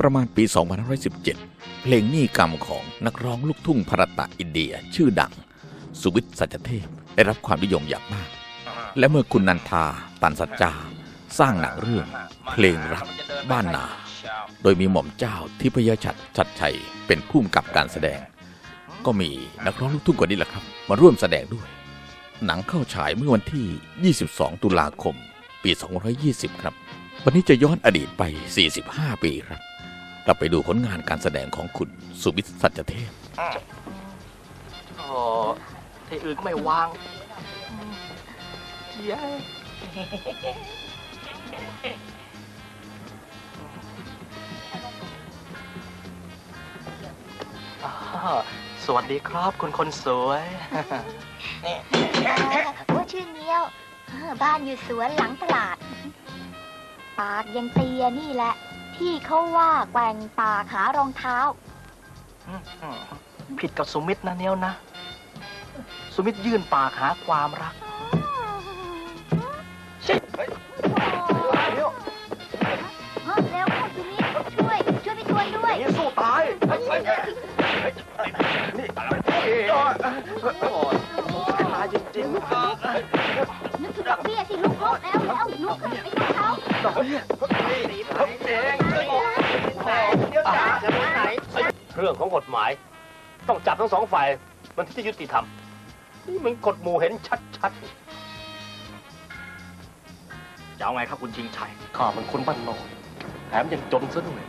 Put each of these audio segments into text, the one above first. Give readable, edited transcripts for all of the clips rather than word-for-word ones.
ประมาณปี 2517 เพลงหนี้กรรมของนักร้องลูกทุ่งภรตะอินเดียชื่อดังสุวิทย์สัจเทพได้รับความนิยมอย่างมากและเมื่อคุณนันทาตันสัจจาสร้างหนังเรื่องเพลงรักบ้านนาโดยมีหม่อมเจ้าทิพยชัดชัยเป็นผู้กำกับการแสดงก็มีนักร้องลูกทุ่งคนนี้แหละครับมาร่วมแสดงด้วยหนังเข้าฉายเมื่อวันที่ 22 ตุลาคม ปี 2520 ครับวันนี้จะย้อนอดีตไป 45 ปีครับเราไปดูผลงานการแสดงของคุณสุวิทย์สัจเทพที่อื่นก็ไม่วางเย้สวัสดีครับคุณคนสวยว่าชื่อเงี้ยวบ้านอยู่สวนหลังตลาดปากยังเตียนี่แหละที่เขาว่าแกว่งปากหารองเท้าผิดกับสุมิตรนะเนี้ยวนะสุมิตรยื่นปากหาความรักเร็วเข้าสุมิตรช่วยพี่ทวนด้วยนี่สู้ตายนี่ตายจริงๆนึกถึงดอกเบี้ยสิลูกแล้วลูกไปดูเขาดอกเบี้ยเองเดี๋ยวจ๋าจะไปไหนเรื่องของกฎหมายต้องจับทั้งสองฝ่ายมันที่จะยุติธรรมนี่มันกฎหมู่เห็นชัดๆจะเอาไงครับคุณชิงชัยข้ามันคนบ้านนอกแถมยังจนซะด้วย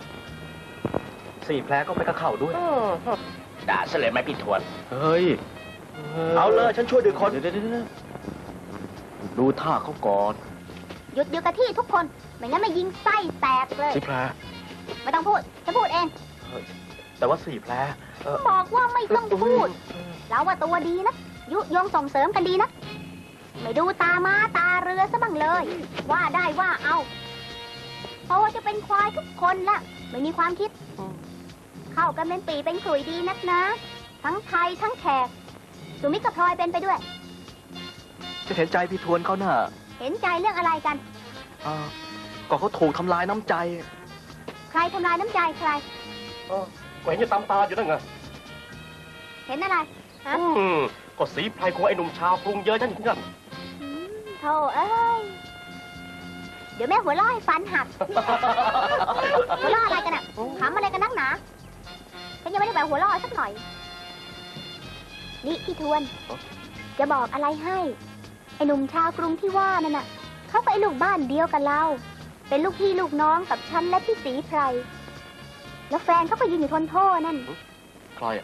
4 แผลก็ไปกระเข่าด้วยด่าเฉลยไหมพี่ทวนเฮ้ยเอาเลยฉันช่วยดึงคนเดี๋ยวดูท่าเขาก่อนหยุดกับที่ทุกคนไม่งั้นไม่ยิงไส้แตกเลย 4 แผลไม่ต้องพูดฉันพูดเองแต่ว่า4 แผลบอกว่าไม่ต้องพูดเราว่าตัวดีนะยุยงส่งเสริมกันดีนะไม่ดูตาม้าตาเรือซะบ้างเลยว่าได้ว่าเอาเพราะว่าจะเป็นควายทุกคนละไม่มีความคิดเข้ากันเป็นปีเป็นขลุ่ยดีนักนะทั้งไทยทั้งแขกสุมิตรกับพลอยเป็นไปด้วยจะเห็นใจพี่ทวนเขาน่ะเห็นใจเรื่องอะไรกันก็เขาถูกทำลายน้ำใจใครทำลายน้ำใจใครก็เห็นอยู่ตามตาอยู่นั่นไงเห็นอะไรฮะก็สีไพรของไอ้หนุ่มชาวกรุงเยอะนั่นนั่นโธ่เอ้ยเดี๋ยวแม่หัวเราะให้ฟันหักหัวเราะอะไรกันอ่ะขำอะไรกันนักหนาฉันยังไม่ได้แบบหัวเราะสักหน่อยนี่พี่ทวนจะบอกอะไรให้ไอ้หนุ่มชาวกรุงที่ว่านั่นน่ะเขาไปลูกบ้านเดียวกับเราเป็นลูกพี่ลูกน้องกับฉันและพี่สีไพรแล้วแฟนเขาก็ยืนอยู่ทนโทษนั่นใครอ่ะ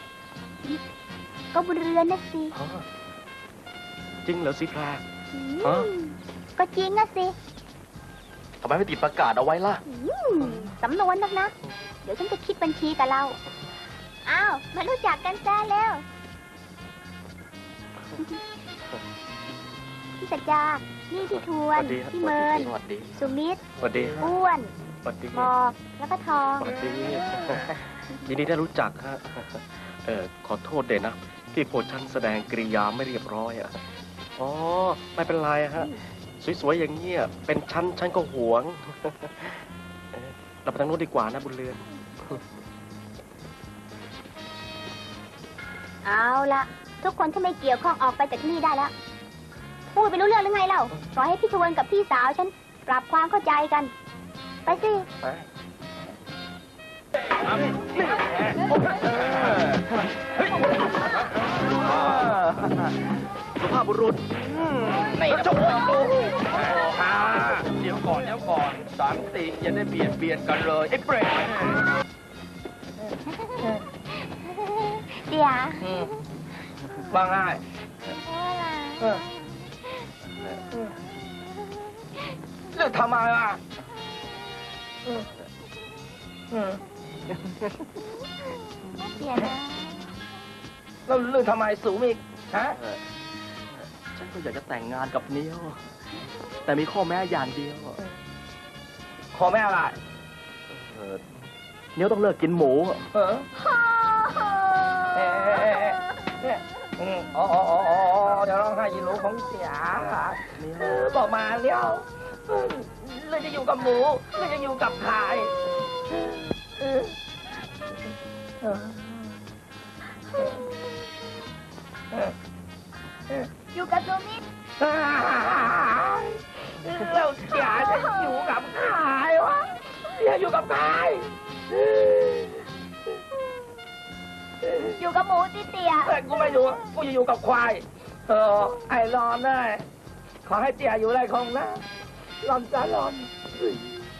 ก็บุญเรือนนะสิจริงเหรอสีแพรก็จริงนะสิทำไมไม่ติดประกาศเอาไว้ล่ะสำนวนนะเดี๋ยวฉันจะคิดบัญชีกับเราอ้าวมารู้จักกันซะแล้วพี่สัจจานี่พี่ทวนพี่เมินสุมิตรอ้วนบอกแล้วก็ทองยินดีได้รู้จักฮะขอโทษเด่นนะที่โพชันแสดงกริยาไม่เรียบร้อยอ่ะอ๋อไม่เป็นไรฮะสวยๆอย่างเงี้ยเป็นฉันก็หวงเราไปทางโน้นดีกว่านะบุญเรือนเอาละทุกคนที่ไม่เกี่ยวข้องออกไปจากที่นี่ได้แล้วพูดไปรู้เรื่องหรือไงเล่าปล่อยให้พี่ทวนกับพี่สาวฉันปรับความเข้าใจกันไปสิสุภาพบุรุษในจบเดี๋ยวก่อนสันติอย่าได้เบียดกันเลยไอ้เปรตเดี๋ยวว่าง่ายเลือกทำไมอ่ะเดี๋ยวนะแล้วเลือกทำไมสูงอีกฮะฉันก็อยากจะแต่งงานกับเนี้ยวแต่มีข้อแม้อย่างเดียวข้อแม้อะไรเนี้ยวต้องเลิกกินหมูจะร้องไห้ยินหนูของเสียบอกมาเนี้ยวเราจะอยู่กับหมูเราจะอยู่กับใครอยู่กับซูมิเราจ๋าจะอยู่กับใครวะจะอยู่กับใครอยู่กับหมูติเตียแต่กูไม่อยู่กูจะอยู่กับควายไอ้รอนได้ขอให้เตี่ยอยู่ไรคงนะรอนจ้ารอน